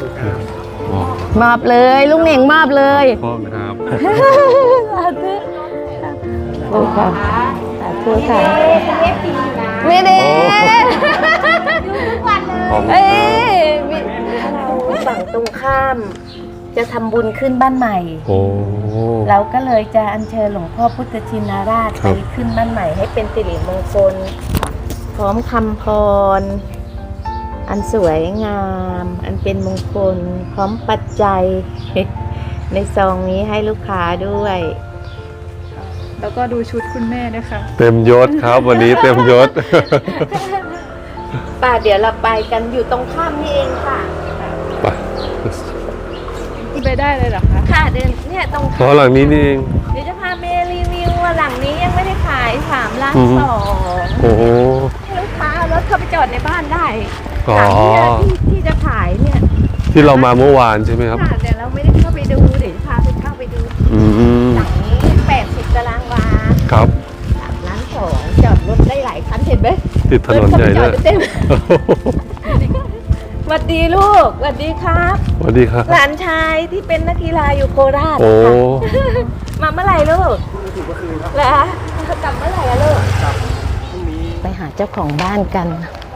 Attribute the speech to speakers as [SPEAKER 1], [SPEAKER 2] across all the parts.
[SPEAKER 1] มอบเลยลุงเหน่งมอบเลย
[SPEAKER 2] พ่อครับ
[SPEAKER 1] สาธุค่ะสาธุค่ะไม่ได้เอ้ยฝั่งตรงข้ามจะทำบุญขึ้นบ้านใหม่เราก็เลยจะอัญเชิญหลวงพ่อพุทธชินราชไปขึ้นบ้านใหม่ให้เป็นสิริมงคลพร้อมคำพรอันสวยงามอันเป็นมงคลพร้อมปัจจัยในซองนี้ให้ลูกค้าด้วย
[SPEAKER 3] แล้วก็ดูชุดคุณแม่นะคะ
[SPEAKER 2] เต็มยศครับวันนี้เต็มยศ
[SPEAKER 1] ป่าเดี๋ยวเราไปกันอยู่ตรงข้ามนี่เองค่ะ
[SPEAKER 3] ไปได้เลยเหรอคะ
[SPEAKER 1] ค่ะเดินเนี่ยตรง
[SPEAKER 2] ข้ามหลังนี้นี่เอง
[SPEAKER 1] เดี๋ยวจะพาเมรีวิวว่าหลังนี้ยังไม่ได้ขาย3 ล้าน 2
[SPEAKER 2] โอ้โห
[SPEAKER 1] ให้ลูกค้าเอารถเข้าไปจอดในบ้านได้
[SPEAKER 2] อ๋อ
[SPEAKER 1] ที่จะขายเนี่ย
[SPEAKER 2] ที่เรามาเมื่อวานใช่ไหมครับ
[SPEAKER 1] ค่ะเดี๋ยวเราไม่ได้เข้าไปดูเดี๋ยวพาไปเข้าไปดูหลังนี้80 ตารางวา
[SPEAKER 2] ครับ
[SPEAKER 1] 3 ล้าน 2จอดรถได้หลายคันเห็นไหม
[SPEAKER 2] ติดถนนใหญ่ด้วย
[SPEAKER 1] สวัสดีลูกสวัสดีครับ
[SPEAKER 2] สวัสดีครับ
[SPEAKER 1] หลานชายที่เป็นนักกีฬาอยู่โคราช
[SPEAKER 2] โอ้
[SPEAKER 1] มาเมื่อไหร่ลูกเหรอกลับเมื่อไหร่ลูกไปหาเจ้าของบ้านกัน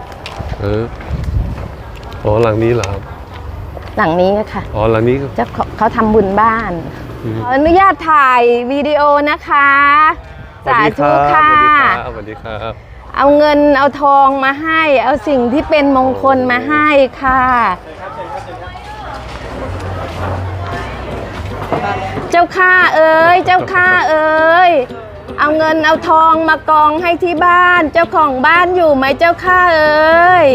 [SPEAKER 2] อ๋อหลังนี้เหรอครับ
[SPEAKER 1] หลังนี้ค่ะ
[SPEAKER 2] อ๋อหลังนี้
[SPEAKER 1] เจ้าเขาทำบุญบ้านขออนุญาตถ่ายวิดีโอนะคะสาธุค่ะ
[SPEAKER 2] สวัสดีครับ
[SPEAKER 1] เอาเงินเอาทองมาให้เอาสิ่งที่เป็นมงคลมาให้ค่ะเจ้าข้าเอ๋ยเจ้าข้าเอ๋ยเอาเงินเอาทองมากองให้ที่บ้านเจ้าของบ้านอยู่ไหมเจ้าข้าเอ๋ย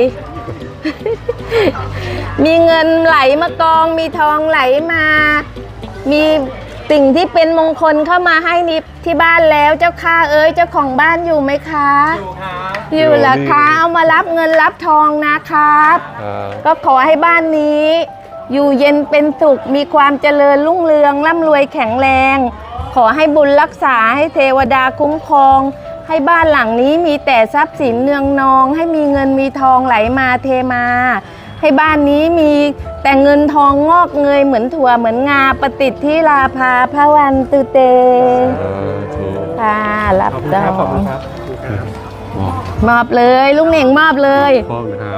[SPEAKER 1] มีเงินไหลมากองมีทองไหลมามีสิ่งที่เป็นมงคลเข้ามาให้นิบที่บ้านแล้วเจ้าข้าเอ๋ยเจ้าของบ้านอยู่ไหมคะอยู่ละคะเอามารับเงินรับทองนะครับก็ขอให้บ้านนี้อยู่เย็นเป็นสุขมีความเจริญรุ่งเรืองร่ำรวยแข็งแรงขอให้บุญรักษาให้เทวดาคุ้มครองให้บ้านหลังนี้มีแต่ทรัพย์สินเนืองนองให้มีเงินมีทองไหลมาเทมาให้บ้านนี้มีแต่เงินทองงอกเงยเหมือนถั่วเหมือนงาประติดที่ราภาพระวันตุเตค่ะรับดองมอบเลยลุงเหน่งมอบเลย
[SPEAKER 2] พ่อครับ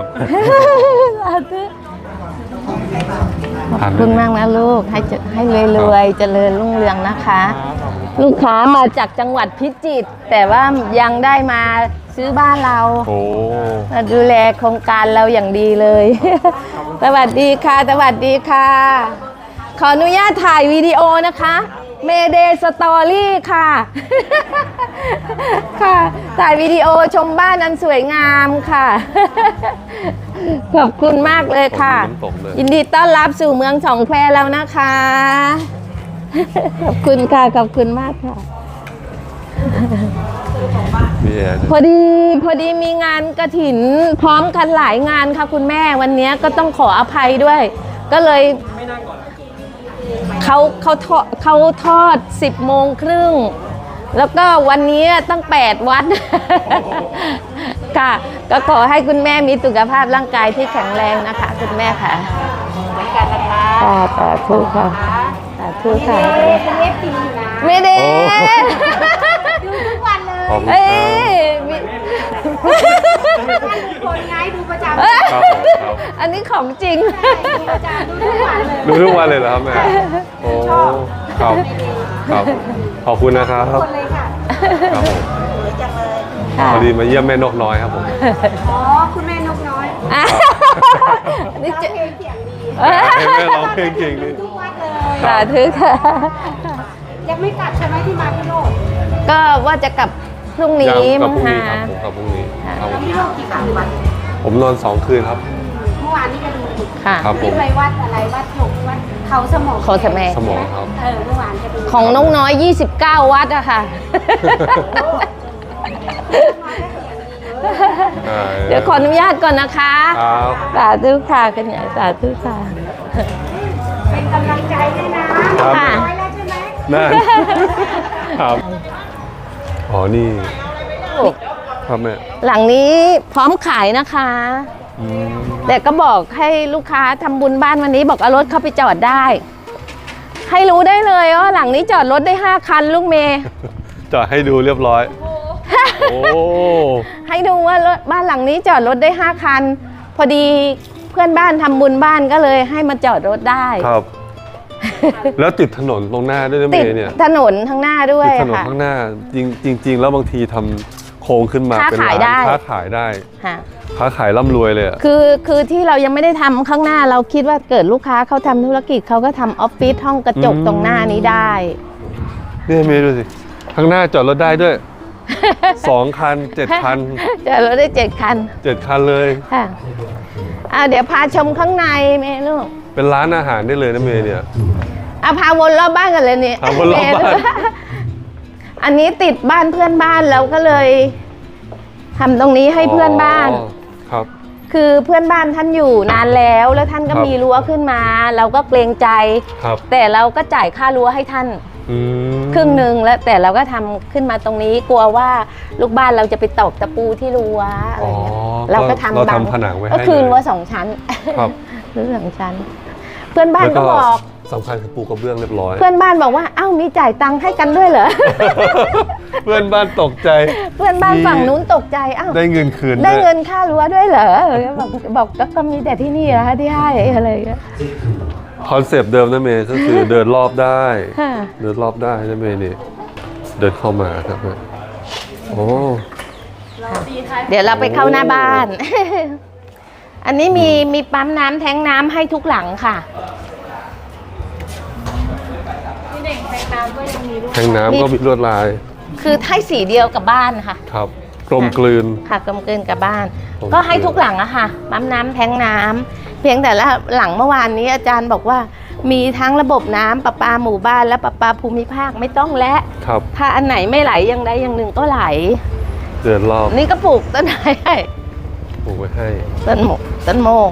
[SPEAKER 1] ขอบคุณมากนะลูกให้รวยๆเจริญรุ่งเรืองนะคะลูกค้ามาจากจังหวัดพิจิตรแต่ว่ายังได้มาซื้อบ้านเราดูแลโครงการเราอย่างดีเลยสวัสดีค่ะสวัสดีค่ะขออนุญาตถ่ายวิดีโอนะคะเมเดย์สตอรี่ค่ะค่ะถ่ายวิดีโอชมบ้านอันสวยงามค่ะขอบคุณมากเลยค่ะยินดีต้อนรับสู่เมืองสองแควแล้วนะคะขอบคุณค่ะขอบคุณมากค่ะพอดีมีงานกฐินพร้อมกันหลายงานค่ะคุณแม่วันนี้ก็ต้องขออภัยด้วยก็เลยเขาทอด10:30แล้วก็วันนี้ตั้ง8 วัดค่ะก็ขอให้คุณแม่มีสุขภาพร่างกายที่แข็งแรงนะคะคุณแม่ค่ะเหมือนกันนะคะสาธุค่ะสาธุค่ะไม่ได้ดูทุกวันเลยเอ้ยคนง่ายดูประจำอันนี้ของจริง
[SPEAKER 2] ดูทุกวันเลยเหรอครับแม่โอ้ครับขอบคุณนะครับครับผมพอดีมาเยี่ยมแม่นกน้อยครับผม
[SPEAKER 4] อ๋อคุณแม่นกน้อย
[SPEAKER 1] นี่จะ
[SPEAKER 4] เพลงเสียงดี
[SPEAKER 2] แม่ร้องเพลงเก่งดี
[SPEAKER 4] ทุกวันเลย
[SPEAKER 1] สาธุค่ะ
[SPEAKER 4] ยังไม่กลับใช่ไหมที่มาพี่โลก
[SPEAKER 1] ก็ว่าจะกลับพรุ่งนี้
[SPEAKER 2] มั้งค่ะผมกลับพรุ่งนี้
[SPEAKER 4] พี่โลกกี่คืนวัน
[SPEAKER 2] ผมนอน2 คืนครับ
[SPEAKER 4] เมื่อวานนี้ก็ดู
[SPEAKER 1] ค่ะ
[SPEAKER 4] ที่ไปวัดอะไรวัดหกวัดเขาสมอง
[SPEAKER 1] เขาสม
[SPEAKER 2] องครับ
[SPEAKER 4] เมื่อวานก็ดู
[SPEAKER 1] ของน้องน้อย29 วัดอะค่ะเดี๋ยวขออนุญาตก่อนนะคะสาธุค่ะกันเนี่ยสาธุค่ะ
[SPEAKER 4] เป็นกำลังใจด้วยนะ
[SPEAKER 1] ค่ะ
[SPEAKER 4] แล้วใช่ไหม
[SPEAKER 2] นั่นครับอ๋อนี่ครับแม่
[SPEAKER 1] หลังนี้พร้อมขายนะคะ
[SPEAKER 2] อืม
[SPEAKER 1] แต่ก็บอกให้ลูกค้าทำบุญบ้านวันนี้บอกเอารถเข้าไปจอดได้ ให้รู้ได้เลยว่าหลังนี้จอดรถได้5 คันลูกเมย์
[SPEAKER 2] จอดให้ดูเรียบร้อย โอ้
[SPEAKER 1] ให้ดูว่ารถบ้านหลังนี้จอดรถได้5 คัน พอดีเพื่อนบ้านทำบุญบ้านก็เลยให้มาจอดรถได้
[SPEAKER 2] ครับ แล้วติดถนนตรงหน้าด้วยนะเม
[SPEAKER 1] ติด
[SPEAKER 2] ย์เนี่ย
[SPEAKER 1] ถนนข้างหน้าด้วย
[SPEAKER 2] ติดถนน
[SPEAKER 1] ค่ะ
[SPEAKER 2] ข้างหน้าจริง ๆ แล้วบางทีทำโค้งขึ้นมา
[SPEAKER 1] ค้า
[SPEAKER 2] เป็น
[SPEAKER 1] ขาย
[SPEAKER 2] ร้าน
[SPEAKER 1] ได้
[SPEAKER 2] ค้าขายได้
[SPEAKER 1] ค่ะ
[SPEAKER 2] ค้าขายร่ำรวยเลยอะ
[SPEAKER 1] คือที่เรายังไม่ได้ทำข้างหน้าเราคิดว่าเกิดลูกค้าเขาทำธุรกิจเขาก็ทำออฟฟิศห้องกระจกตรงหน้านี้ได้
[SPEAKER 2] เนี่ยเมย์ดูสิข้างหน้าจอดรถได้ด้วย 2 คัน 7 คัน
[SPEAKER 1] จอดรถได้7 คัน
[SPEAKER 2] 7 คันเลย
[SPEAKER 1] ค่ะเดี๋ยวพาชมข้างในเมย์ลูก
[SPEAKER 2] เป็นร้านอาหารได้เลยนะเมย์เนี่ย
[SPEAKER 1] พาวนรอบบ้านกันเลยเนี่ย
[SPEAKER 2] พาวนรอบบ้าน
[SPEAKER 1] อันนี้ติดบ้านเพื่อนบ้านเราก็เลยทำตรงนี้ให้เพื่อนบ้าน
[SPEAKER 2] อ๋อครับ
[SPEAKER 1] คือเพื่อนบ้านท่านอยู่นานแล้วท่านก็
[SPEAKER 2] ครับ
[SPEAKER 1] มีรั้วขึ้นมา เราก็เกรงใจ
[SPEAKER 2] ครับ
[SPEAKER 1] แต่เราก็จ่ายค่ารั้วให้ท่าน
[SPEAKER 2] อืม
[SPEAKER 1] ครึ่งหนึ่งแล้วแต่เราก็ทำขึ้นมาตรงนี้กลัวว่าลูกบ้านเราจะไปตอกตะปูที่รั้วอะไรเงี้ยเราก็ทำ
[SPEAKER 2] เรา
[SPEAKER 1] บัง
[SPEAKER 2] ทำผนังไว้ให้
[SPEAKER 1] ก็คืน
[SPEAKER 2] เลย
[SPEAKER 1] รั้ว2 ชั้น
[SPEAKER 2] ครับ
[SPEAKER 1] รั้ว2 ชั้น เพื่อนบ้าน
[SPEAKER 2] แล้ว
[SPEAKER 1] ก็บอก
[SPEAKER 2] สำคัญคือปูกระเบื้องเรียบร้อย
[SPEAKER 1] เพื่อนบ้านบอกว่าเอ้ามีจ่ายตังค์ให้กันด้วยเหรอ
[SPEAKER 2] เพื่อนบ้านตกใจ
[SPEAKER 1] เพื่อนบ้านฝั่งนู้นตกใจเอ้า
[SPEAKER 2] ได้เงินคืน
[SPEAKER 1] ได้
[SPEAKER 2] วย
[SPEAKER 1] เงินค่ารั้วด้วยเหรอบอกก็มีแต่ที่นี่นะคะที่ให้อะไรอย่างเงี้ย
[SPEAKER 2] คอนเซปต์เดิมนะเมย์ก็คือเดินรอบได้
[SPEAKER 1] ค่ะ
[SPEAKER 2] เดินรอบได้นะเมย์นี่เดินเข้ามาครับแม่โอ้
[SPEAKER 1] เดี๋ยวเราไปเข้าหน้าบ้าน อันนี้มีปั๊มน้ำแทงน้ำให้ทุกหลังค่ะ
[SPEAKER 3] พี่เน่งแทงน้ำก็ยังมีด้วย
[SPEAKER 2] แทงน้ำก็มีลวดลาย
[SPEAKER 1] คือให้สีเดียวกับบ้านค่ะ
[SPEAKER 2] ครับกลมกลืน
[SPEAKER 1] ค่ะกลมกลืนกับบ้าน
[SPEAKER 2] กลมกลืน
[SPEAKER 1] ก็ให้ทุกหลังอะค่ะปั๊มน้ำแทงน้ำเพียงแต่ละหลังเมื่อวานนี้อาจารย์บอกว่า มีทั้งระบบน้ำประปาหมู่บ้านและประปาภูมิภาคไม่ต้องและ
[SPEAKER 2] ครับ
[SPEAKER 1] ถ้าอันไหนไม่ไหลอย่างใดอย่างหนึ่งก็ไหล
[SPEAKER 2] เดินรอบ
[SPEAKER 1] นี่ก็ปลูกต้นไม้ให้
[SPEAKER 2] ปลูกไว้ให้
[SPEAKER 1] ต้นโมก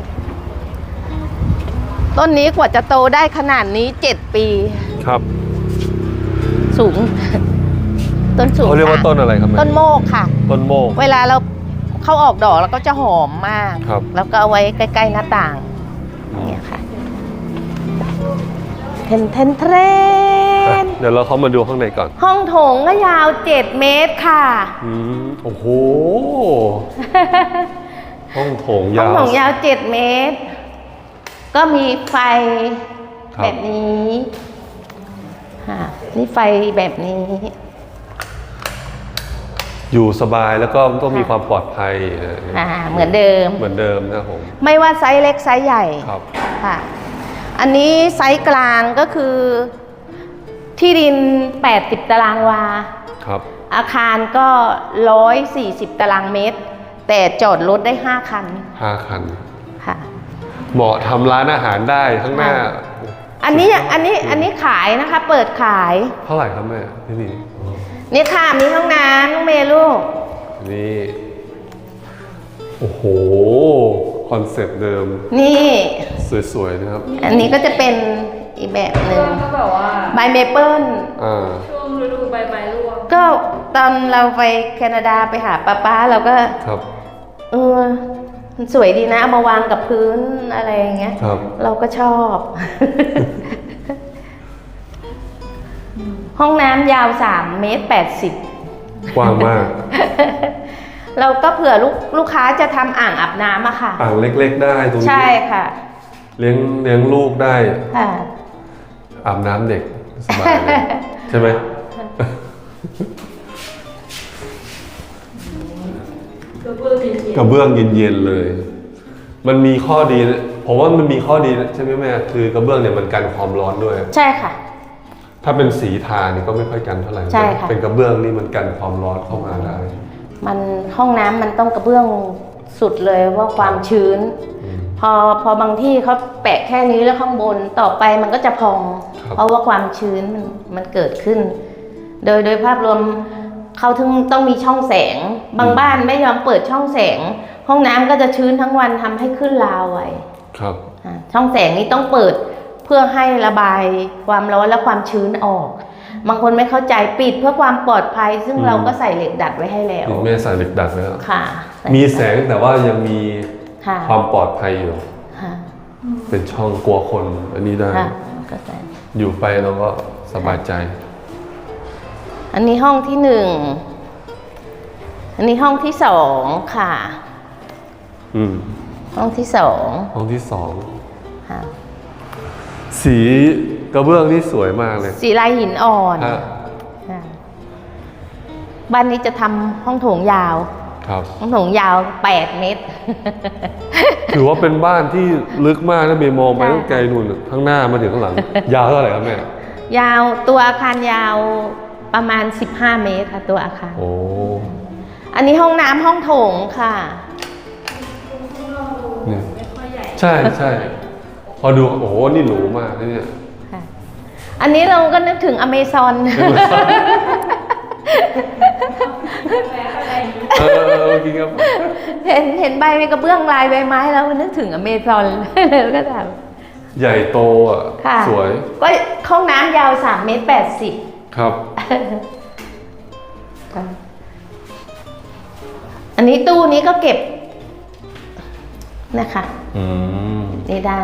[SPEAKER 1] ต้นนี้กว่าจะโตได้ขนาดนี้7 ปี
[SPEAKER 2] ครับ
[SPEAKER 1] สูง ต้นสูง
[SPEAKER 2] เขาเรียกว่า
[SPEAKER 1] ค่ะ
[SPEAKER 2] ต้นอะไรครับแม่
[SPEAKER 1] ต้นโมกค่ะ
[SPEAKER 2] ต้นโมก
[SPEAKER 1] เวลาเราเข้าออกดอกแล้วก็จะหอมมาก
[SPEAKER 2] ครับ
[SPEAKER 1] แล้วก็เอาไว้ใกล้ๆหน้าต่างเนี่ยค่ะเทรน
[SPEAKER 2] เดี๋ยวเราเข้ามาดูข้างในก่อน
[SPEAKER 1] ห้องโถงก็ยาว7 เมตรค่ะ
[SPEAKER 2] โอ้โห ห้องโถง
[SPEAKER 1] ห้อง
[SPEAKER 2] ยาว
[SPEAKER 1] โถงยาว7 เมตร ก็มีไฟ
[SPEAKER 2] ครับ
[SPEAKER 1] แบบนี้ค่ะนี่ไฟแบบนี้
[SPEAKER 2] อยู่สบายแล้วก็ต้องมีความปลอดภัย
[SPEAKER 1] เหมือนเดิม
[SPEAKER 2] เหมือนเดิมนะครับผม
[SPEAKER 1] ไม่ว่าไซส์เล็กไซส์ใหญ่
[SPEAKER 2] ครับ
[SPEAKER 1] ค่ะ อันนี้ไซส์กลางก็คือที่ดิน80 ตารางวา
[SPEAKER 2] ครับ
[SPEAKER 1] อาคารก็140 ตารางเมตร แต่จอดรถได้ 5 คัน
[SPEAKER 2] 5 คัน
[SPEAKER 1] ค่ะ
[SPEAKER 2] เหมาะทำร้านอาหารได้ข้างหน้า
[SPEAKER 1] อันนี้ขายนะคะ เปิดขาย
[SPEAKER 2] เท่าไหร่ครับแม่ที่นี่
[SPEAKER 1] นี่ค่ะมีห้องน้ำลูกเมย์ลูก
[SPEAKER 2] นี่ โอ้โห คอนเซ็ปต์เดิม
[SPEAKER 1] นี่
[SPEAKER 2] สวยๆนะครับ
[SPEAKER 1] อันนี้ก็จะเป็นอีกแบบหนึ่ง
[SPEAKER 3] ก็แบบว่า
[SPEAKER 1] ใบเมเปิล
[SPEAKER 3] ช่วงฤดูใบไม้ร่วง
[SPEAKER 1] ก็ตอนเราไปแคนาดาไปหาป้าเราก็
[SPEAKER 2] ครับ
[SPEAKER 1] มันสวยดีนะเอามาวางกับพื้นอะไรอย่างเงี้ย
[SPEAKER 2] ครับ
[SPEAKER 1] เราก็ชอบ ห้องน้ำยาว3 เมตร 80
[SPEAKER 2] กว้างมาก
[SPEAKER 1] เราก็เผื่อลูกค้าจะทำอ่างอาบน้ำอะค่ะ
[SPEAKER 2] อ่างเล็กๆได้ตรงนี้
[SPEAKER 1] ใช่ค่ะ
[SPEAKER 2] เลี้ยงลูกได้
[SPEAKER 1] ค่ะ
[SPEAKER 2] อาบน้ำเด็กสบายเลย ใช่ไหม กระเบื้องเย็นๆเลย มันมีข้อดีนะผมว่ามันมีข้อดีนะใช่ไหมแม่คือกระเบื้องเนี่ยมันกันความร้อนด้วย
[SPEAKER 1] ใช่ค่ะ
[SPEAKER 2] ถ้าเป็นสีทานี่ก็ไม่ค่อยกันเท่าไหร่
[SPEAKER 1] ใช่ค่ะ
[SPEAKER 2] เป็นกระเบื้องนี่มันกันความร้อนเข้ามาได้
[SPEAKER 1] มันห้องน้ำมันต้องกระเบื้องสุดเลยว่าความชื้น พอบางที่เขาแปะแค่นี้แล้วข้างบนต่อไปมันก็จะพอง
[SPEAKER 2] ครับ
[SPEAKER 1] เพราะว่าความชื้นมันเกิดขึ้น โดยภาพรวมเขาถึงต้องมีช่องแสง บางบ้านไม่ยอมเปิดช่องแสง ห้องน้ำก็จะชื้นทั้งวันทำให้ขึ้นราวไว้
[SPEAKER 2] ครับ
[SPEAKER 1] ช่องแสงนี้ต้องเปิดเพื่อให้ระบายความร้อนและความชื้นออก บางคนไม่เข้าใจปิดเพื่อความปลอดภัย ซึ่งเราก็ใส่เหล็กดัดไว้ให้แล้ว
[SPEAKER 2] นี่แม่ใส่เหล็กดัดไว้แล้ว
[SPEAKER 1] ค่ะ
[SPEAKER 2] มีแสงแต่ว่ายังมี
[SPEAKER 1] ค่ะ
[SPEAKER 2] ความปลอดภัยอยู่
[SPEAKER 1] ค่ะ
[SPEAKER 2] เป็นช่องกลัวคนอันนี้ได้
[SPEAKER 1] ค่ะก็ได้
[SPEAKER 2] อยู่ไปเราก็สบายใจ
[SPEAKER 1] อันนี้ห้องที่หนึ่ง อันนี้ห้องที่สองค่ะ
[SPEAKER 2] อืม
[SPEAKER 1] ห้องที่สอง
[SPEAKER 2] ห้องที่สอง
[SPEAKER 1] ค่ะ
[SPEAKER 2] สีกระเบื้องนี่สวยมากเลย
[SPEAKER 1] สีลายหินอ่อน
[SPEAKER 2] ฮะ
[SPEAKER 1] ค่ะบ้านนี้จะทำห้องโถงยาว
[SPEAKER 2] ครับ
[SPEAKER 1] ห้องโถงยาว 8 เมตร
[SPEAKER 2] ถือว่าเป็นบ้านที่ลึกมากนะเมย์มองไป
[SPEAKER 1] ใช่
[SPEAKER 2] ตั้งไกลนู่นข้างหน้ามาถึงข้างหลัง ยาวเท่าไหร่ครับแม่
[SPEAKER 1] ยาวตัวอาคารยาวประมาณ 15 เมตรค่ะตัวอาคาร
[SPEAKER 2] โอ้
[SPEAKER 1] อันนี้ห้องน้ำห้องโถงค่ะ
[SPEAKER 2] นี่ใช่ใช่พอดูโอ้โหนี่หรูมากนะเนี่ย
[SPEAKER 1] ค่ะ อันนี้เราก็นึกถึงอเมซอน
[SPEAKER 2] กินครับ
[SPEAKER 1] เห็นใบกระเบื้องลายใบไม้แล้วนึกถึงอเมซอน แล้วก็ถาม
[SPEAKER 2] ใหญ่โตอ่ะ
[SPEAKER 1] ค่ะ
[SPEAKER 2] สวย
[SPEAKER 1] ก็ห้องน้ำยาว3 เมตร 80
[SPEAKER 2] ครับ
[SPEAKER 1] อันนี้ตู้นี้ก็เก็บนะคะ
[SPEAKER 2] อืม
[SPEAKER 1] นี่ได้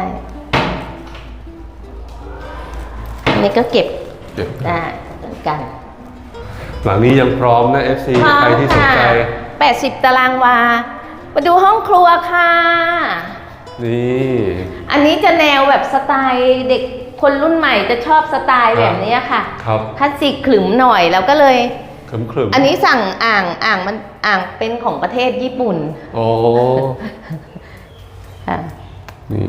[SPEAKER 1] อันนี้ก็เก็บ
[SPEAKER 2] เดี๋ยว
[SPEAKER 1] ได้เหมือนกัน
[SPEAKER 2] หลังนี้ยังพร้อมนะ FC ใครที่สนใจ
[SPEAKER 1] 80 ตารางวา มาดูห้องครัวค่ะ
[SPEAKER 2] นี่
[SPEAKER 1] อันนี้จะแนวแบบสไตล์เด็กคนรุ่นใหม่จะชอบสไตล์แบบนี้ค่ะ
[SPEAKER 2] ครับ
[SPEAKER 1] คลาสสิกขลึมหน่อยแล้วก็เลย
[SPEAKER 2] ครึมๆ
[SPEAKER 1] อันนี้สั่งอ่างมันเป็นของประเทศญี่ปุ่น
[SPEAKER 2] โอ้
[SPEAKER 1] ค่ะ
[SPEAKER 2] นี่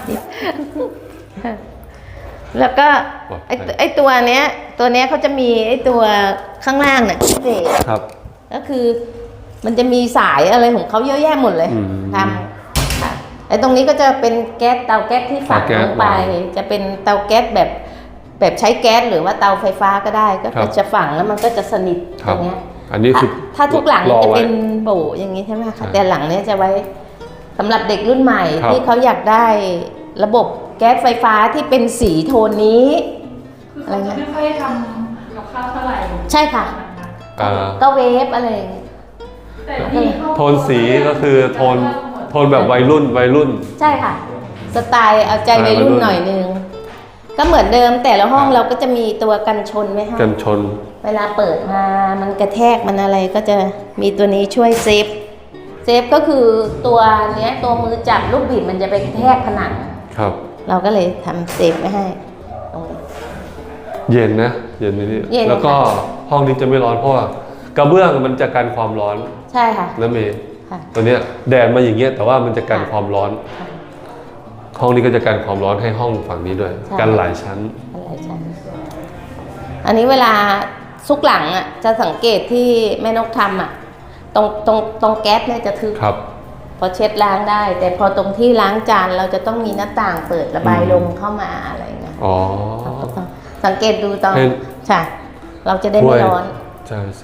[SPEAKER 1] แล้วก็
[SPEAKER 2] ปลอดภัย
[SPEAKER 1] ไอตัวเนี้ยเขาจะมีไอตัวข้างล่างเนี่ยพิเศษ
[SPEAKER 2] ครับ
[SPEAKER 1] ก็คือมันจะมีสายอะไรของเขาเยอะแยะหมดเลย
[SPEAKER 2] อืม
[SPEAKER 1] ทำค่ะไอตรงนี้ก็จะเป็นแก๊สเตาแก๊สที่ฝัง
[SPEAKER 2] เตาแก๊
[SPEAKER 1] ล
[SPEAKER 2] ส
[SPEAKER 1] งไป จะเป็นเตาแก๊สแบบใช้แก๊สหรือว่าเตาไฟฟ้าก็ได้ ก็
[SPEAKER 2] ครับ
[SPEAKER 1] จะฝังแล้วมันก็จะสนิท
[SPEAKER 2] ค
[SPEAKER 1] อ
[SPEAKER 2] รับ
[SPEAKER 1] ย่างเงี้ย
[SPEAKER 2] อันนี้คือ
[SPEAKER 1] ถ้าทุกหลัง
[SPEAKER 2] รอ
[SPEAKER 1] จะ
[SPEAKER 2] ไว้
[SPEAKER 1] เป็นโบอย่างนี้ใช่ไหม
[SPEAKER 2] ใช่
[SPEAKER 1] คะแต่หลังเนี้ยจะไว้สำหรับเด็กรุ่นใหม่
[SPEAKER 2] ครับ
[SPEAKER 1] ที่เขาอยากได้ระบบแก๊สไฟฟ้าที่เป็นสีโทนนี้
[SPEAKER 3] คือเขาจะไม่ค่อยทำกับข้าวเท่าไหร่
[SPEAKER 1] ใช่ค่ะ
[SPEAKER 2] อ่า
[SPEAKER 1] ก็เวฟอะไรอย่างเงี้ย
[SPEAKER 3] แต่ที่ห้อง
[SPEAKER 2] โทนสีก็คือโทนแบบวัยรุ่น
[SPEAKER 1] ใช่ค่ะ สไตล์เอาใจวัยรุ่นหน่อยนึง ก็เหมือนเดิมแต่ละห้องเราก็จะมีตัวกันชนไว้ให้
[SPEAKER 2] กันชน
[SPEAKER 1] เวลาเปิดมามันกระแทกมันอะไรก็จะมีตัวนี้ช่วยเซฟก็คือตัวเนี้ยตัวมือจับลูกบิดมันจะไปกระแทกผนัง
[SPEAKER 2] ครับ
[SPEAKER 1] เราก็เลยทำเซฟไว้ให้ตรงนี้
[SPEAKER 2] เย็นนะ เย็นนี่
[SPEAKER 1] เย็น
[SPEAKER 2] แล้วก็
[SPEAKER 1] ค่ะ
[SPEAKER 2] ห้องนี้จะไม่ร้อนเพราะว่ากระเบื้องมันจะกันความร้อน
[SPEAKER 1] ใช่ค่ะ
[SPEAKER 2] นะเมย์
[SPEAKER 1] ค่ะ
[SPEAKER 2] ตัวเนี้ยแดดมาอย่างเงี้ยแต่ว่ามันจะกัน
[SPEAKER 1] ค่ะ
[SPEAKER 2] ความร้อน
[SPEAKER 1] ค่ะ
[SPEAKER 2] ห้องนี้ก็จะกันความร้อนให้ห้องฝั่งนี้ด้วย
[SPEAKER 1] ใช่
[SPEAKER 2] กันหลายชั้น
[SPEAKER 1] อะไรชั้นอันนี้เวลาซุกหลังอ่ะจะสังเกตที่แม่นกทำอ่ะตรงแก๊สเนี่ยจะทึบ
[SPEAKER 2] ครับ
[SPEAKER 1] พอเช็ดล้างได้ แต่พอตรงที่ล้างจานเราจะต้องมีหน้าต่างเปิดระบายลมเข้ามาอะไรเงี้ย
[SPEAKER 2] อ๋อ
[SPEAKER 1] เราก็ต้องสังเกตดูตอน
[SPEAKER 2] ให้
[SPEAKER 1] ใช่เราจะได้ไม่ร้อน
[SPEAKER 2] ใช่ใช่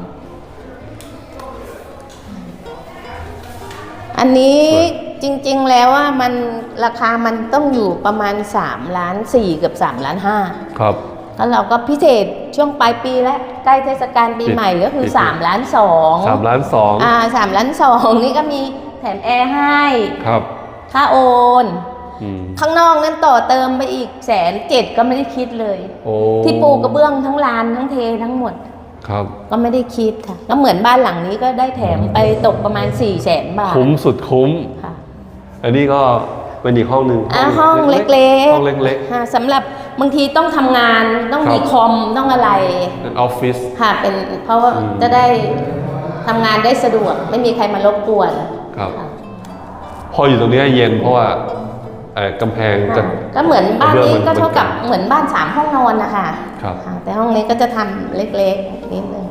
[SPEAKER 1] อันนี้จริงๆแล้วว่ามันราคามันต้องอยู่ประมาณ3 ล้าน 4กับ3 ล้าน 5
[SPEAKER 2] ครับ
[SPEAKER 1] แล้วเราก็พิเศษช่วงปลายปีแล้วใกล้เทศกาลปีใหม่ก็คือ
[SPEAKER 2] ปิด
[SPEAKER 1] 3 ล้าน 2
[SPEAKER 2] 3 ล้าน
[SPEAKER 1] 3 ล้าน 2 นี่ก็มีแถมแอร์ให้
[SPEAKER 2] ครับ
[SPEAKER 1] ค่าโอน
[SPEAKER 2] อืม
[SPEAKER 1] ข้างนอกนั้นต่อเติมไปอีก170,000ก็ไม่ได้คิดเลย
[SPEAKER 2] โอ้
[SPEAKER 1] ที่ปูกระเบื้องทั้งลานทั้งเททั้งหมด
[SPEAKER 2] ครับ
[SPEAKER 1] ก็ไม่ได้คิดค่ะก็เหมือนบ้านหลังนี้ก็ได้แถมไปตกประมาณ400,000 บาท
[SPEAKER 2] คุ้มสุดคุ้ม
[SPEAKER 1] ค่ะ
[SPEAKER 2] อันนี้ก็เป็นอีกห้องหนึ่ง
[SPEAKER 1] ห้องเล็กๆ
[SPEAKER 2] ห้องเล็ก
[SPEAKER 1] ค่ะสำหรับบางทีต้องทำงานต้องมี
[SPEAKER 2] ครับ
[SPEAKER 1] คอมต้องอะไร
[SPEAKER 2] ๆเป็นออฟฟิศ
[SPEAKER 1] ค่ะเป็นเพราะว่า
[SPEAKER 2] อืม
[SPEAKER 1] จะได้ทำงานได้สะดวกไม่มีใครมารบกวน
[SPEAKER 2] ครับ
[SPEAKER 1] ค่ะ
[SPEAKER 2] พออยู่ตรงนี้เย็นเพราะว่าไอ้กำแพงจะ
[SPEAKER 1] ก็เหมือนบ้านนี้
[SPEAKER 2] กระเบื้องมัน
[SPEAKER 1] ก็เท่ากับเหมือนบ้าน3 ห้องนอนนะคะ
[SPEAKER 2] ครับ
[SPEAKER 1] ค่ะแต่ห้องนี้ก็จะทำเล็กๆนิดนึง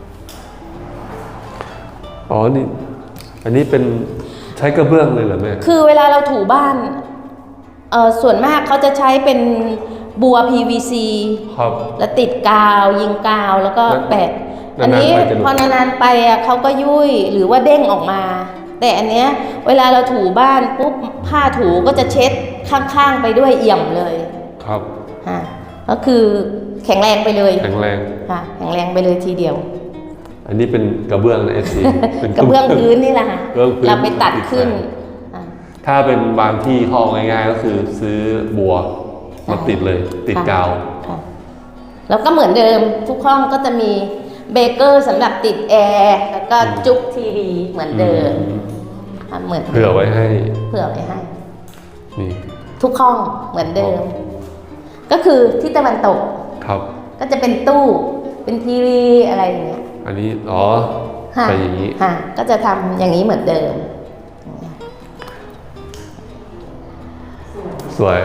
[SPEAKER 2] อ๋อ นี่ อันนี้เป็นใช้กระเบื้องเลยเหรอแม่
[SPEAKER 1] คือเวลาเราถูบ้านส่วนมากเขาจะใช้เป็นบัว PVC
[SPEAKER 2] ครับ
[SPEAKER 1] แล้วติดกาวยิงกาวแล้วก็แปะ
[SPEAKER 2] นานๆ
[SPEAKER 1] อันนี้
[SPEAKER 2] ไปจะหลุด
[SPEAKER 1] พอนานๆไปอ่ะเขาก็ยุ่ยหรือว่าเด้งออกมา แต่อันเนี้ยเวลาเราถูบ้านปุ๊บผ้าถูก็จะเช็ดข้างๆไปด้วยเอี่ยมเลย
[SPEAKER 2] ครับ
[SPEAKER 1] ฮะก็คือแข็งแรงไปเลย
[SPEAKER 2] แข็งแรง
[SPEAKER 1] ค่ะแข็งแรงไปเลยทีเดียว
[SPEAKER 2] อันนี้เป็นกระเบื้องนะ FC เป็น
[SPEAKER 1] กระเบื้องพื้นนี่แหละค่ะ
[SPEAKER 2] กระเบื้องพื้น
[SPEAKER 1] เราไปตัดขึ้นอ่ะ
[SPEAKER 2] ถ้าเป็นบางที่เขาเอาง่ายๆก็คือซื้อบัวมาติดเลยติดกาว
[SPEAKER 1] ค่ะแล้วก็เหมือนเดิมทุกห้องก็จะมีเบเกอร์สำหรับติดแอร์แล้วก็จุกทีวีเหมือนเดิมเหมือน
[SPEAKER 2] เผื่อไว้ให้
[SPEAKER 1] เผื่อไว้ให้
[SPEAKER 2] นี่
[SPEAKER 1] ทุกห้องเหมือนเดิม ก็คือที่ตะวันตก
[SPEAKER 2] ครับ
[SPEAKER 1] ก็จะเป็นตู้เป็นทีวีอะไรอย่างเงี้ย
[SPEAKER 2] อันนี้อ๋อ
[SPEAKER 1] ค่ะ
[SPEAKER 2] ไปอย่างนี้
[SPEAKER 1] ค่ะก็จะทำอย่างนี้เหมือนเดิม
[SPEAKER 2] สวย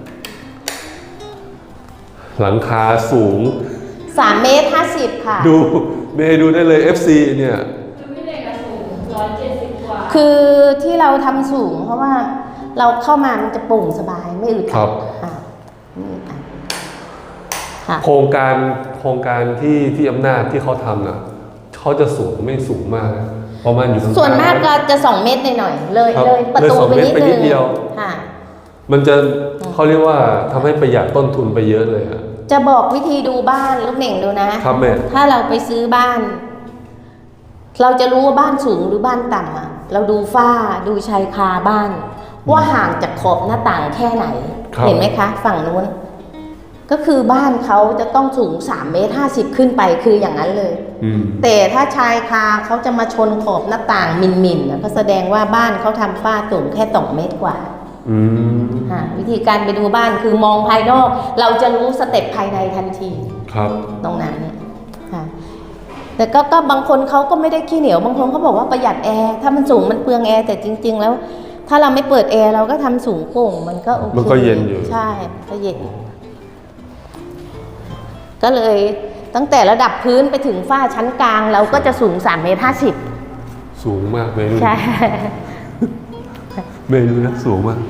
[SPEAKER 2] หลังคาสูง
[SPEAKER 1] 3 เมตร 50 ค่ะ
[SPEAKER 2] ดูเมย์ดูได้เลย FC เนี่ย
[SPEAKER 3] คือพี่เด็กอะสูง170 กว่า
[SPEAKER 1] คือที่เราทำสูงเพราะว่าเราเข้ามามันจะโปร่งสบายไม่อึด
[SPEAKER 2] ครั
[SPEAKER 1] อั
[SPEAKER 2] บ
[SPEAKER 1] ดค่ะไม่อึดอัดค่ะ
[SPEAKER 2] โครงการที่อำนาจที่เขาทำน่ะเขาจะสูงไม่สูงมากนะประมาณอยู่ข้างๆ
[SPEAKER 1] ส่วนมากก็จะ2 เมตรหน่อยๆเลย
[SPEAKER 2] ครับ
[SPEAKER 1] เลยประตู
[SPEAKER 2] เลย2
[SPEAKER 1] ไปนิด
[SPEAKER 2] เมตรไปนิ
[SPEAKER 1] นึ
[SPEAKER 2] ด
[SPEAKER 1] ง
[SPEAKER 2] เดียว
[SPEAKER 1] ค่ะ
[SPEAKER 2] มันจะเขาเรียกว่าทำให้ประหยัดต้นทุนไปเยอะเลยอะ
[SPEAKER 1] จะบอกวิธีดูบ้านลูกเหน่งดูนะ
[SPEAKER 2] ครับแม่
[SPEAKER 1] ถ้าเราไปซื้อบ้าน เราจะรู้ว่าบ้านสูงหรือบ้านต่ำอ่ะ เราดูฝ้าดูชายคาบ้าน ว่าห่างจากขอบหน้าต่างแค่ไหน
[SPEAKER 2] ครับ
[SPEAKER 1] เห็นไหมคะ ฝั่งนู้น ก็คือบ้านเขาจะต้องสูง3 เมตร 50 ขึ้นไปคืออย่างนั้นเลย
[SPEAKER 2] อืม
[SPEAKER 1] แต่ถ้าชายคาเขาจะมาชนขอบหน้าต่างมินๆก็แสดงว่าบ้านเขาทำฝ้าสูงแค่2 เมตรกว่า
[SPEAKER 2] อืม
[SPEAKER 1] วิธีการไปดูบ้านคือมองภายนอก เราจะรู้สเต็ปภายในทันที
[SPEAKER 2] ครับ
[SPEAKER 1] ตรงนั้นเนี่ยค่ะแต่ก็บางคนเขาก็ไม่ได้ขี้เหนียวบางคนเขาบอกว่าประหยัดแอร์ถ้ามันสูงมันเปลืองแอร์แต่จริง ๆ แล้ว ถ้าเราไม่เปิดแอร์เราก็ทำสูงโป่งมันก็โอเค
[SPEAKER 2] มันก็เย็นอยู่
[SPEAKER 1] ใช่ก็เย็นก็เลยตั้งแต่ระดับพื้นไปถึงฝ้าชั้นกลาง เราก็จะสูง3 เมตร 50
[SPEAKER 2] สูงมากเมย์ดู
[SPEAKER 1] ใช่
[SPEAKER 2] เมย์ดูนะสูงมาก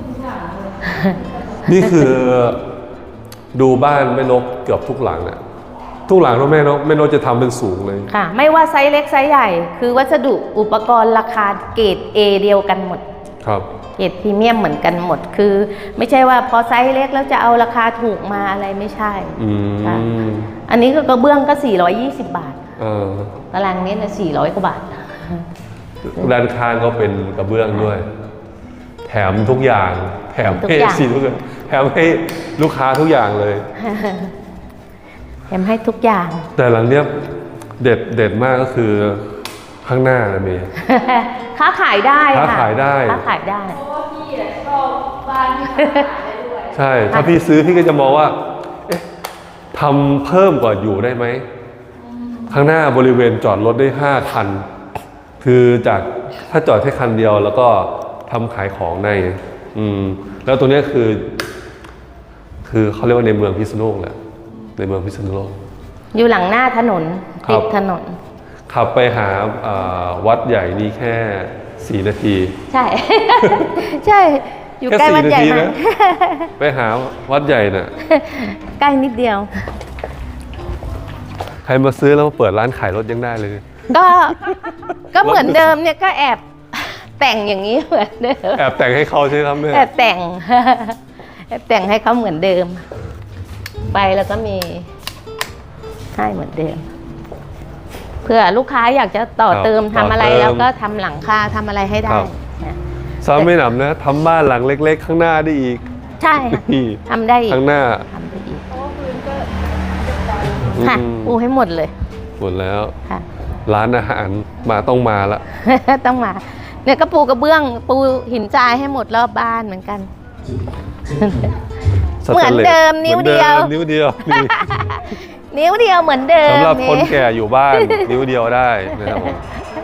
[SPEAKER 2] นี่คือดูบ้านแม่นกเกือบทุกหลังอะทุกหลังแม่นกจะทำเป็นสูงเลย
[SPEAKER 1] ค่ะ ไม่ว่าไซส์เล็กไซส์ใหญ่ คือวัสดุอุปกรณ์ราคาเกรด A เดียวกันหมด
[SPEAKER 2] ครับ
[SPEAKER 1] เกรดพรีเมียมเหมือนกันหมด คือไม่ใช่ว่าพอไซส์เล็กแล้วจะเอาราคาถูกมาอะไรไม่ใช่
[SPEAKER 2] อื
[SPEAKER 1] ค่ะ
[SPEAKER 2] ม
[SPEAKER 1] อันนี้ก็กระเบื้องก็420 บาท
[SPEAKER 2] เออ
[SPEAKER 1] ตารางเมตรละ400 กว่าบาท
[SPEAKER 2] ด้านข้างก็เป็นกระเบื้องด้วย แถมทุกอย่าง แถม
[SPEAKER 1] ทุก
[SPEAKER 2] ให้
[SPEAKER 1] อย่าง
[SPEAKER 2] สิทุกอย่างแถมให้ลูกค้าทุกอย่างเลย
[SPEAKER 1] แถมให้ทุกอย่าง
[SPEAKER 2] แต่หลังเนี้ยเด็ดมากก็คือข้างหน้านะเมย์
[SPEAKER 1] ค้าขายได้ค่ะ
[SPEAKER 2] ค้าขายได้
[SPEAKER 1] ค้าขายได้
[SPEAKER 3] เพราะว่าพี่อะชอบบ้านที่ขายได้ด้วย
[SPEAKER 2] ใช่ ถ้าพี่ซื้อพี่ก็จะมองว่า เอ๊ะทำเพิ่มกว่าอยู่ได้ไหม ข้างหน้าบริเวณจอดรถได้5 คัน คือจากถ้าจอดแค่คันเดียวแล้วก็ทำขายของได้ไงแล้วตัวเนี้ยคือเขาเรียกว่าในเมืองพิษณุโลกแหละ ในเมืองพิษณุโลก
[SPEAKER 1] อยู่หลังหน้าถนน
[SPEAKER 2] ครับ
[SPEAKER 1] ติดถนน
[SPEAKER 2] ขับไปหาวัดใหญ่นี่แค่ 4 นาที
[SPEAKER 1] ใช่ ใช่ อยู่
[SPEAKER 2] แค่
[SPEAKER 1] ใกล้วัด
[SPEAKER 2] 4 นา
[SPEAKER 1] ใหญ่
[SPEAKER 2] ที
[SPEAKER 1] มา
[SPEAKER 2] นะ
[SPEAKER 1] ก
[SPEAKER 2] ไปหาวัดใหญ่น่ะ
[SPEAKER 1] ใกล้นิดเดียว
[SPEAKER 2] ใครมาซื้อแล้วมาเปิดร้านขายรถยังได้เลย
[SPEAKER 1] ก็เหมือนเดิมเนี่ยก็แอบแต่งอย่างนี้เหมือนเดิม
[SPEAKER 2] แอบแต่งให้เขาใช่ไหมครับแม่
[SPEAKER 1] แอบแต่ง แอบแต่งให้เขาเหมือนเดิม ไปแล้วก็มีให้เหมือนเดิม เพื่อลูกค้าอยากจะต่อเติมทำอะไรแล้วก็ทำหลังคาทำอะไรให้ได้นะ
[SPEAKER 2] ซ้ำไม่หนำนะทำบ้านหลังเล็กๆ ข้างหน้าได้อีก
[SPEAKER 1] ใช่ค่ะ
[SPEAKER 2] นี่
[SPEAKER 1] ทำได้อีก
[SPEAKER 2] ข้างหน้า
[SPEAKER 1] ทำได้อีก
[SPEAKER 3] เพราะว่าพื้นก็
[SPEAKER 1] ค่ะ
[SPEAKER 2] อืม
[SPEAKER 1] ปูให้หมดเลย
[SPEAKER 2] หมดแล้ว
[SPEAKER 1] ค่ะ
[SPEAKER 2] ร้านอาหารต้องมาละ
[SPEAKER 1] ต้องมา เนี่ยก็ปูกระเบื้องปูหินทรายให้หมดรอบบ้านเหมือนกัน เหมือนเดิมนิ้วเดียว
[SPEAKER 2] หมือนนิ้วเดียวนี่
[SPEAKER 1] นิ้วเดียวเหมือนเดิม
[SPEAKER 2] สำหรับคน
[SPEAKER 1] นี่
[SPEAKER 2] แก่อยู่บ้าน นิ้วเดียวได้นะครับผม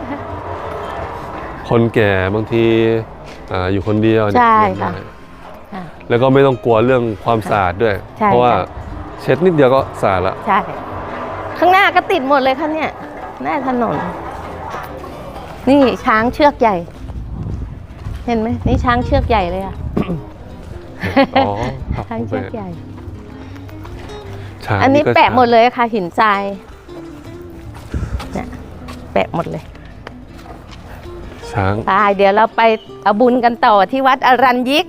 [SPEAKER 2] คนแก่บางทีอยู่คนเดียวเนี่ย
[SPEAKER 1] ใช่ค่ะ
[SPEAKER 2] ได้
[SPEAKER 1] ค่ะ
[SPEAKER 2] แล้วก็ไม่ต้องกลัวเรื่องความสะอาดด้วย
[SPEAKER 1] ใช่
[SPEAKER 2] เพราะว่า
[SPEAKER 1] ค่ะ
[SPEAKER 2] เช็ดนิดเดียวก็สะอาดละ
[SPEAKER 1] ใช่ ข้างหน้าก็ติดหมดเลยค่ะเนี่ยหน้าถนน นี่ช้างเชือกใหญ่ เห็นไหมนี่ช้างเชือกใหญ่เลยอ่ะ
[SPEAKER 2] อ๋อครับ
[SPEAKER 1] ช้างเชือกใหญ่
[SPEAKER 2] ช้าง
[SPEAKER 1] อันนี้
[SPEAKER 2] ก็
[SPEAKER 1] แปะ
[SPEAKER 2] ช้าง
[SPEAKER 1] หมดเลยค่ะ หินทรายเนี่ยแปะหมดเลย
[SPEAKER 2] ช้าง
[SPEAKER 1] ไปเดี๋ยวเราไปเอาบุญกันต่อที่วัดอรัญยิก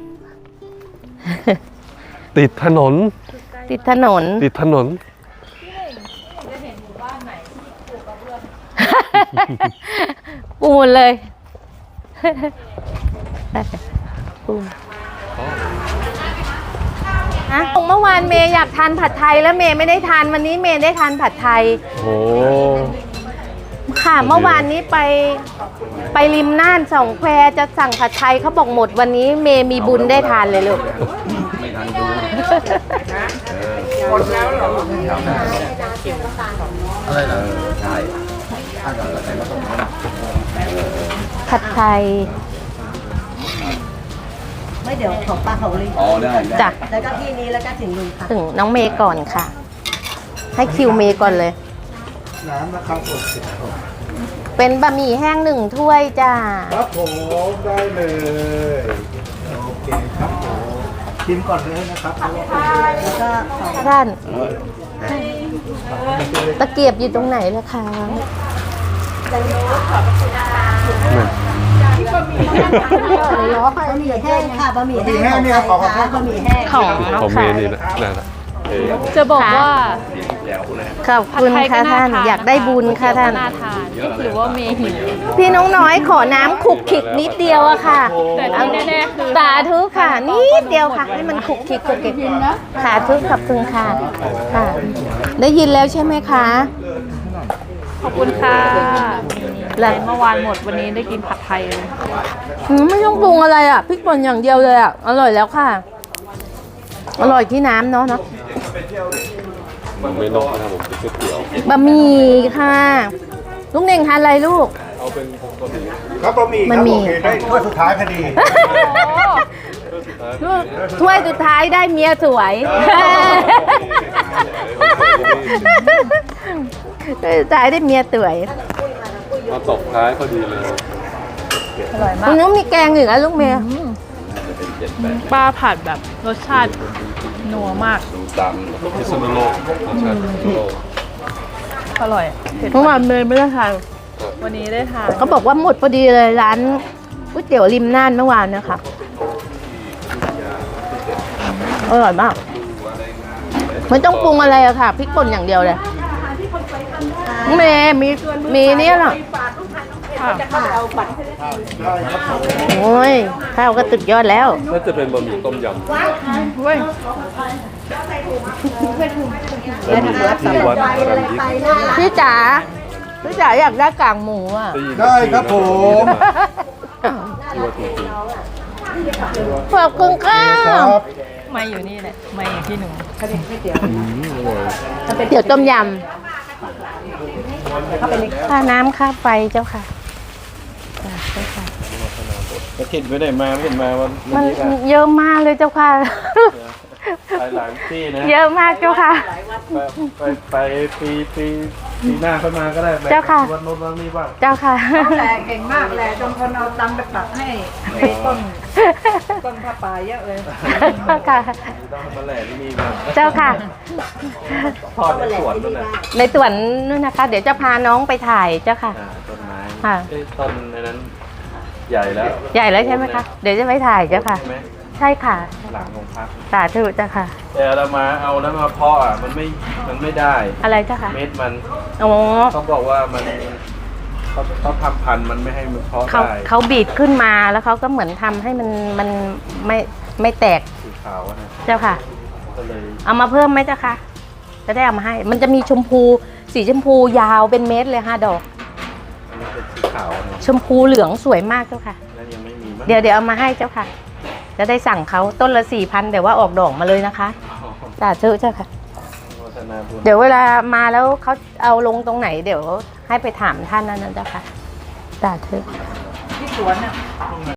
[SPEAKER 2] ติดถนน
[SPEAKER 1] ติดถนน
[SPEAKER 2] ติดถนน
[SPEAKER 3] จะเห็นหมู่บ้านไหนที่ปลูกกระเบื้อง
[SPEAKER 1] ปูหมดเลยปูอะเมื่อวานเมย์อยากทานผัดไทยแล้วเมย์ไม่ได้ทานวันนี้เมย์ได้ทานผัดไทย
[SPEAKER 2] โอ้
[SPEAKER 1] ค่ะเมื่อวานนี้ไปริมน่านสองแควจะสั่งผัดไทยเขาบอกหมดวันนี้เมย์มีบุญได้ทานเลยลูก
[SPEAKER 5] ไม่ทันดู
[SPEAKER 4] หมดแล้วเหรอ
[SPEAKER 5] อะไรเหรอใช่ถ้าเกิดอะไรมาตรงนี้นะ
[SPEAKER 1] ผัดไทย
[SPEAKER 6] ไม่เดี๋ยวของป้าของลิง
[SPEAKER 5] อ๋อได้
[SPEAKER 1] จ้ะ
[SPEAKER 6] แล้วก็ที่นี้แล้วก็ถึงลุงค่ะ
[SPEAKER 1] ถึงน้องเมย์ก่อนค่ะ ให้คิวเมย์ก่อนเลย
[SPEAKER 5] น้ำนะครับผม
[SPEAKER 1] เป็นบะหมี่แห้ง1 ถ้วยจ้า
[SPEAKER 5] ครับผมได้เลยโอเคครับผมชิมก่อนเลยนะครับ
[SPEAKER 6] แล้วก็ของ
[SPEAKER 1] ท่านตะเกียบอยู่ตรงไหนล่ะคะ
[SPEAKER 6] บะหมี่แห้งค่ะบะหมี่แห้งของใครคะบะหมี่แห้ง
[SPEAKER 1] ของน้อง
[SPEAKER 2] ของเม
[SPEAKER 1] ค่ะ
[SPEAKER 2] ย์นี่นะนั่นนะเออ
[SPEAKER 3] จะบอกว่า
[SPEAKER 1] ขอบคุณค่ะท่าน อยากได้บุญค่ะท่าน
[SPEAKER 3] น่าทานหรือว่าเมย์หิว
[SPEAKER 1] พี่น้องน้อยขอน้ำขลุกขลิกนิดเดียวอะค่ะ
[SPEAKER 3] แต่ที่แน่ๆคือ
[SPEAKER 1] สาธุค่ะนิดเดียวค่ะ ให้มันขลุกขลิกขลุกขลิกสาธุขอบคุณค่ะค่ะ ได้ยินแล้วใช่ไหมคะ
[SPEAKER 3] ขอบคุณค่ะ
[SPEAKER 1] แล้ว
[SPEAKER 3] เมื่อวานหมดวันนี้ได้กินผัดไทยเลย
[SPEAKER 1] ไม่ต้องปรุงอะไรอ่ะพริกป่นอย่างเดียวเลยอ่ะอร่อยแล้วค่ะ อร่อยที่น้ำเนาะ
[SPEAKER 2] มันไม่นอกนะครับผมเป็นก๋วยเตี๋ยว
[SPEAKER 1] บะหมี่ค่ะลูกเน่งทานอะไรลูก
[SPEAKER 2] เอาเป็นบะหมี่
[SPEAKER 5] ครับบะหมี่
[SPEAKER 1] มันมี
[SPEAKER 5] โอเคได้ถ้วยสุดท้ายพอดี
[SPEAKER 1] ลูกถ้วยสุดท้ายได้เมียสวยถ้วยสุดท้ายได้เมียสวย
[SPEAKER 2] มาตบท้ายพอดีเลย
[SPEAKER 3] อร่อยมา
[SPEAKER 1] คุ
[SPEAKER 3] ก
[SPEAKER 1] ณน้องมีแกงอีกแล้วลูกเมีย
[SPEAKER 3] ปลาผัดแบบรสชาตินัวมาก
[SPEAKER 2] พิษณุโลกรสชาติพิษณุโลก
[SPEAKER 3] อร่อยเผ็ด
[SPEAKER 1] เมื่อวานเมย์ไม่ได้ทาน
[SPEAKER 3] วันนี้ได้ทาน
[SPEAKER 1] เขาบอกว่าหมดพอดีเลยร้านก๋วยเตี๋ยวริมน่านเมื่อวานนะคะอร่อยมากไม่ต้องปรุงอะไรอะค่ะพริกป่นอย่างเดียวเลยเมย์มีเนี่ยเหรอ โอ้ยข้าวก็ตึกยอดแล้ว
[SPEAKER 2] น่าจะเป็นบะหมี่ต้มยำ
[SPEAKER 3] เว้ย
[SPEAKER 2] บะหมี่ที่วัดอรัญยิก
[SPEAKER 1] พี่จ๋าอยากได้กากหมูอ่ะ
[SPEAKER 5] ได้ครับผม
[SPEAKER 2] ที่วัดจริง
[SPEAKER 1] ขอบคุณค่ะ
[SPEAKER 5] ครับ
[SPEAKER 3] ไม่อยู่นี่แหละไม่อยู่ที่หนู
[SPEAKER 1] เดี๋ยวต้มยำค่าน้ำค่าไฟเจ้าค่ะจ้ะเจ้าค่ะ
[SPEAKER 7] แล้วคิดไปไหนมาไม่เห็นมาวัน
[SPEAKER 1] มัน
[SPEAKER 7] นี้ค่ะ
[SPEAKER 1] เยอะมากเลยเจ้าค่ะ
[SPEAKER 7] ไปหลายที่นะ
[SPEAKER 1] เยอะมากเจ้าค่ะ
[SPEAKER 7] ไปปีหน้าเข้ามาก็ได้ไป
[SPEAKER 1] เจ้าค่ะ
[SPEAKER 7] วันโน้นวันนี้บ้าง
[SPEAKER 1] เจ้าค่ะ
[SPEAKER 4] แหละเก่งมากแหละจนคนเอาตังค์ไปปักให้ในต้นผ้าป่าเยอะเลย
[SPEAKER 1] ค่ะ
[SPEAKER 7] ต้องมาแหล่ที่นี่บ้าง
[SPEAKER 1] เจ้าค่ะ
[SPEAKER 7] ทอดในสวนนั่นน่ะ
[SPEAKER 1] ในสวนนู่นนะคะ เดี๋ยวจะพาน้องไปถ่ายเจ้าค่ะ
[SPEAKER 7] ต้นไม้
[SPEAKER 1] ค่ะ
[SPEAKER 7] เอ้ยต้นในนั้น ใหญ่แล้ว
[SPEAKER 1] ใหญ่แล้วใช่ไหมคะ เดี๋ยวจะไปถ่ายเจ้าค่ะ
[SPEAKER 7] ใช่ไหม
[SPEAKER 1] ใช่ค่ะ
[SPEAKER 7] หลังของพัก
[SPEAKER 1] สาธุเจ้าค่ะ
[SPEAKER 7] แต่เรามาเอานั้นมาเพาะอ่ะมันไม่ได้
[SPEAKER 1] อะไรเจ้าค่ะ
[SPEAKER 7] เม็ดมัน
[SPEAKER 1] โอ้
[SPEAKER 7] เขาบอกว่ามันเขาทำพันธุ์มันไม่ให้มันเพาะ
[SPEAKER 1] เขา
[SPEAKER 7] ได้
[SPEAKER 1] เขาบีบขึ้นมาแล้วเขาก็เหมือนทำให้มันไม่แตก
[SPEAKER 7] สีขาวอะนะ
[SPEAKER 1] เจ้าค่ะ
[SPEAKER 7] ก็เลย
[SPEAKER 1] เอามาเพิ่มไหมเจ้าค่ะ จะได้เอามาให้ มันจะมีชมพู สีชมพูยาวเป็นเม็ดเลย5 ดอก
[SPEAKER 7] อันนี้เป็นสีขาวนะ
[SPEAKER 1] ชมพูเหลืองสวยมากเจ้าค่ะ
[SPEAKER 7] แล้วยังไม่มีมั้ง
[SPEAKER 1] เดี๋ยวเอามาให้เจ้าค่ะ จะได้สั่งเขาต้นละ 4,000แต่ว่าออกดอกมาเลยนะคะสาธุเจ้าค่ะ
[SPEAKER 7] โฆษณาบุญ
[SPEAKER 1] เดี๋ยวเวลามาแล้วเขาเอาลงตรงไหน เดี๋ยวให้ไปถามท่านนั่นนะเจ้าค่ะสาธุ
[SPEAKER 4] ที่สวนน่ะ